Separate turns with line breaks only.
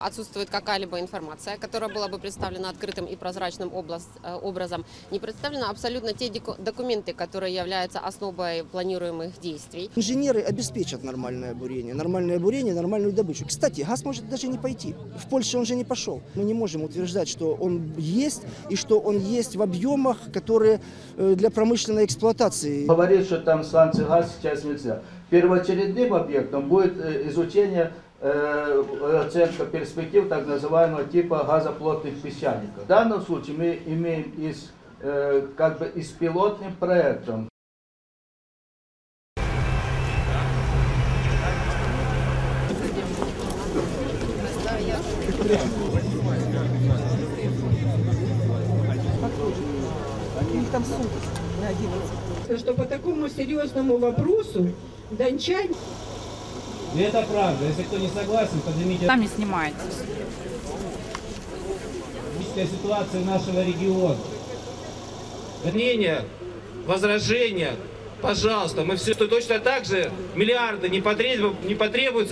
Отсутствует какая-либо информация, которая была бы представлена открытым и прозрачным образом. Не представлены абсолютно те документы, которые являются основой планируемых действий.
Инженеры обеспечат нормальное бурение, нормальную добычу. Кстати, газ может даже не пойти. В Польше он же не пошел. Мы не можем утверждать, что он есть и что он есть в объемах, которые для промышленной эксплуатации.
Говорит, что там сланцы газ сейчас нельзя. Первоочередным объектом будет изучение оценка перспектив так называемого типа газоплотных песчаников. В данном случае мы имеем с пилотным проектом.
У них там суд на 11.
Что по такому серьезному вопросу дончане...
Это правда. Если кто не согласен, поднимите.
Сами снимаете.
Ситуация нашего региона.
Мнение, возражения, пожалуйста, мы все точно так же, миллиарды не потребуются.